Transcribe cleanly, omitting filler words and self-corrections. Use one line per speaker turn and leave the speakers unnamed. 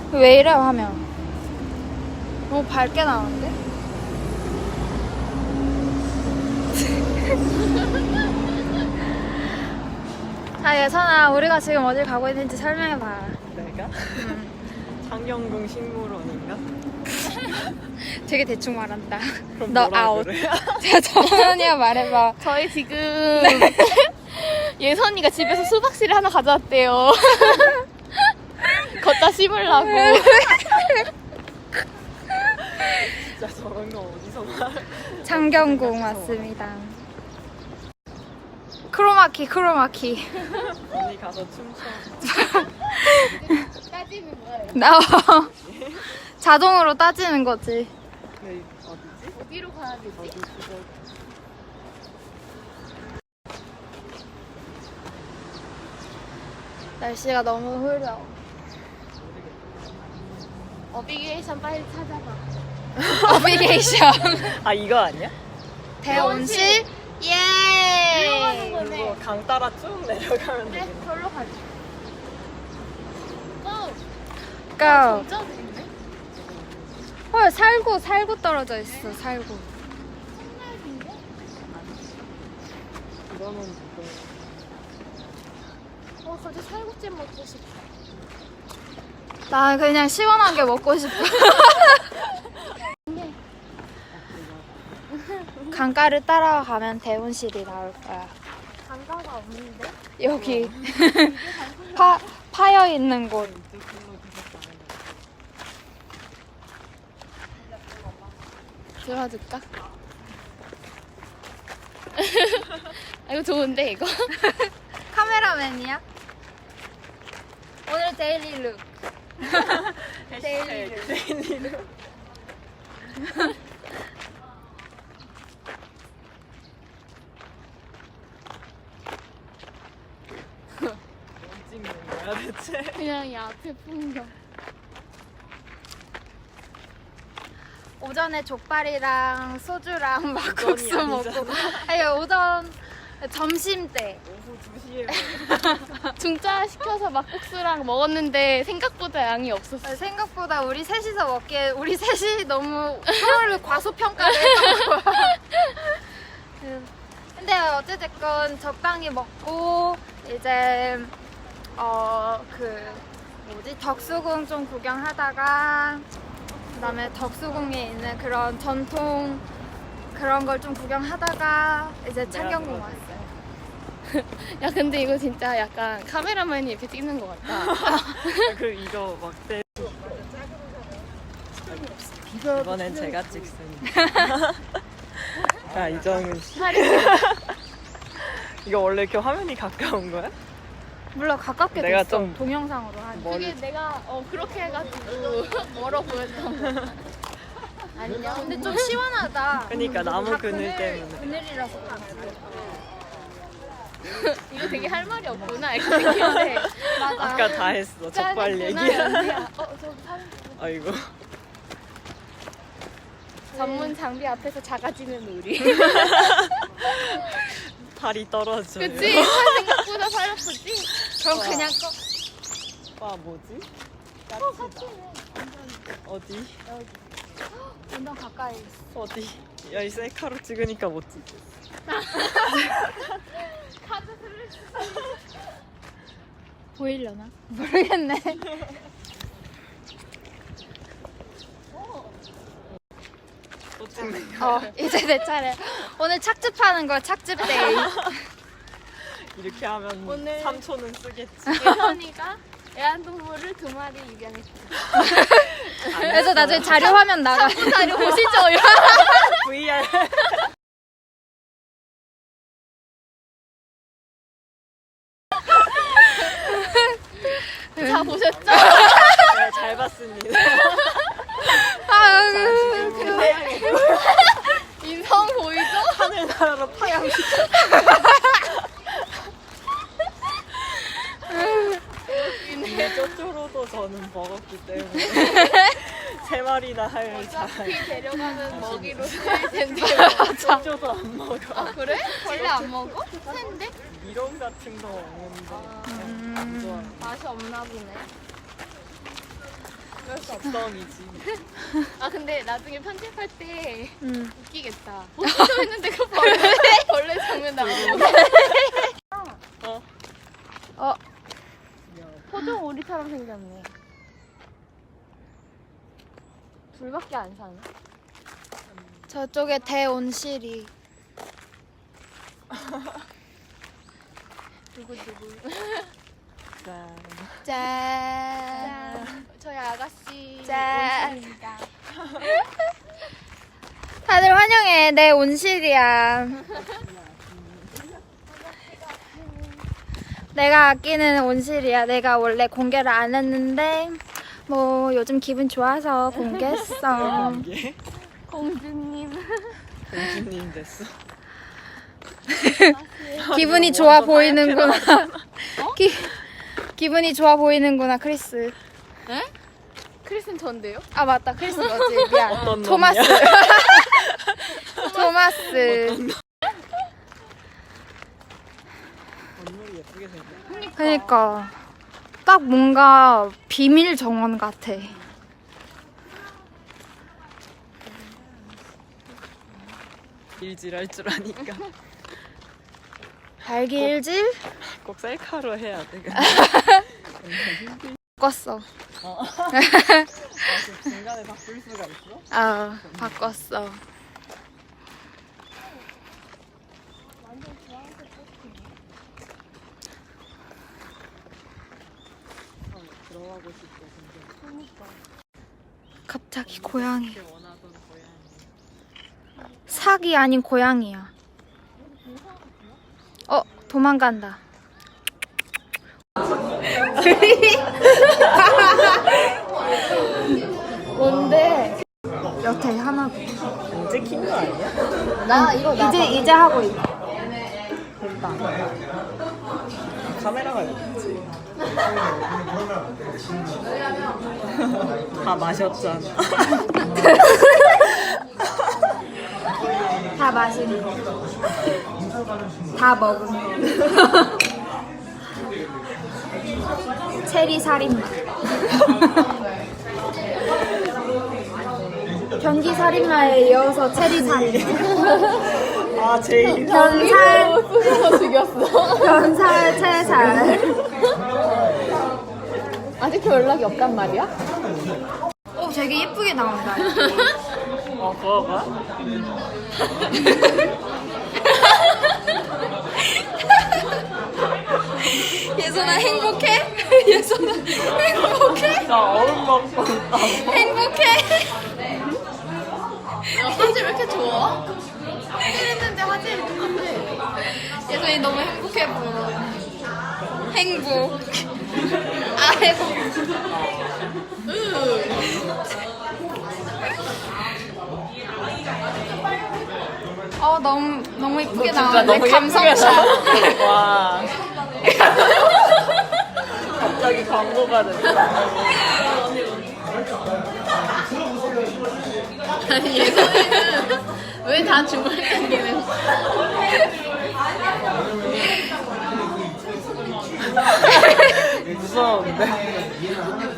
왜 이래 화면? 너무 밝게 나오는데? 자, 예선아, 우리가 지금 어딜 가고 있는지 설명해봐.
내가? 장경궁 식물원인가?
되게 대충 말한다.
그럼
너
뭐라
아웃.
그래?
자, 정연이야 말해봐.
저희 지금 예선이가 집에서 수박씨를 하나 가져왔대요. 걷다 씹으려고.
진짜 저런 거 어디서 말?
장경궁 왔습니다. 크로마키, 크로마키.
언니 가서 춤춰.
따지면 뭐예요?
나와. 자동으로 따지는 거지.
네, 어디지?
어디로 가야 되지?
어디 그거.
날씨가 너무 흐려.
어비게이션 빨리 찾아봐.
어비게이션.
아 이거 아니야?
대온실?
들어가는
예!
거네.
이거 강 따라 쭉 내려가면
그래,
되겠네.
절로 가자. 고!
고!
진짜 재밌네.
헐, 살구 떨어져 있어, 살구.
이거는
갑자기 살구찜 먹고 싶어.
나 그냥 시원하게 먹고 싶어. 강가를 따라가면 대온실이 나올 거야.
강가가 없는데?
여기 파여 있는 곳.
들어줄까? 이거 좋은데 이거?
카메라맨이야? 오늘 데일리 룩.
데일리로. 뭐 찍는 거야 대체?
그냥 이 앞에 풍경.
오전에 족발이랑 소주랑 막국수
오전이
먹고.
아니잖아.
아니 점심 때.
오후 2시에
중짜 시켜서 막국수랑 먹었는데 생각보다 양이 없었어.
생각보다 우리 셋이서 먹기에 우리 셋이 너무 서로를 과소평가를 했던 거야. 근데 어찌됐건 적당히 먹고 이제 덕수궁 좀 구경하다가 그다음에 덕수궁에 있는 그런 전통 그런 걸 좀 구경하다가 이제 창경궁 왔어요.
야 근데 이거 진짜 약간 카메라맨이 옆에 찍는 것 같다.
그 이거 막대. 이번엔 제가 찍습니다. 자 이정은 씨. 이거 원래 이렇게 화면이 가까운 거야?
물론 가깝게
내가
됐어.
좀
동영상으로 하니.
그게 내가 그렇게 해가지고 멀어 보였던 거. 안녕.
근데 좀 시원하다.
그러니까 나무
다
그늘 때문에.
그늘이라서 그렇지.
이거 되게 할 말이 없구나 이렇게 생겼는데.
맞아.
아까 다 했어. 족발 얘기.
저기 사진
아이고.
전문 장비 앞에서 작아지는 우리.
팔이 떨어져요.
그치? 생각보다 팔 아프지?
그럼
와.
그냥
와 뭐지? 까치다. 어디?
완전 가까이 있어.
어디? 야 이 셀카로 찍으니까 못 찍겠어.
카드 슬래시.
보이려나? 모르겠네.
또 찍는 거야.
이제 내 차례. 오늘 착즙하는 거야, 착즙 데이.
이렇게 하면
오늘-
3초는 쓰겠지.
예선이가 애완동물을 2마리 입양했어.
그래서 나중에 자료 화면 나가.
자료 보시죠.
VR.
다 보셨죠?
네, 잘 봤습니다.
인성 보이죠?
하늘나라로 파양시켜. 이미 쪼쪼로도 저는 먹었기 때문에 3마리나 할 잘.
어차피 데려가는 먹이로 쓰일 텐데.
쪼쪼도 안 먹어.
아 그래? 원래 안 먹어? 센데?
미럼 같은 거 먹는데 안 좋아.
맛이 없나 보네.
적성이지.
아 근데 나중에 편집할 때
응.
웃기겠다. 어쩌 했는데 그 벌레 장면 나오고.
어.
포종 오리처럼 생겼네. 둘밖에 안 사네.
저쪽에 대온실이.
두구두구.
짠.
짠.
저희 아가씨
짠.
온실입니다.
다들 환영해. 내 온실이야. 내가 아끼는 온실이야. 내가 원래 공개를 안 했는데 뭐 요즘 기분 좋아서 공개했어.
이게
공주님.
공주님 됐어.
기분이 좋아
완전
보이는구나.
하얗게
기분이 좋아 보이는구나, 크리스.
에? 크리스는 전데요?
아 맞다, 크리스 너지. 미안.
어떤
토마스.
놈이야?
토마스.
건물이 예쁘게 생겼네.
그러니까 딱 뭔가 비밀 정원 같아.
일질할 줄 아니까
발길질
꼭 셀카로 해야 돼. 근데.
바꿨어.
아, 그 중간에 바꿀 수가 있어?
아, 바꿨어.
들어가고 싶어. 근데
갑자기 고양이.
이렇게 원하던 고양이.
사기 아닌 고양이야. 도망간다. 뭔데? 여태 하나.
이제 킨 거 아니야?
나 이거 이제 하고 있어.
카메라가 있지. 다 마셨잖아.
다 마신 거. 다 먹은 거. 체리 살인마. 변기 살인마에 이어서 체리 살인마.
아 제일
변살,
죽였어.
변살, 채살.
아직도 연락이 없단 말이야?
오, 되게 예쁘게 나온다.
그거가?
예선아 행복해? 예선아 행복해?
나 얼음 먹고 있다.
행복해?
화질 왜 이렇게 좋아?
했는데 화질이 똑같아. 예선이 너무 행복해 보여. 행복. 아이고. 너무 이쁘게 나왔네. 감성샷.
와. 갑자기 광고가 됐다.
아니 예선이는 왜 다 줌을 당기는
무서운데?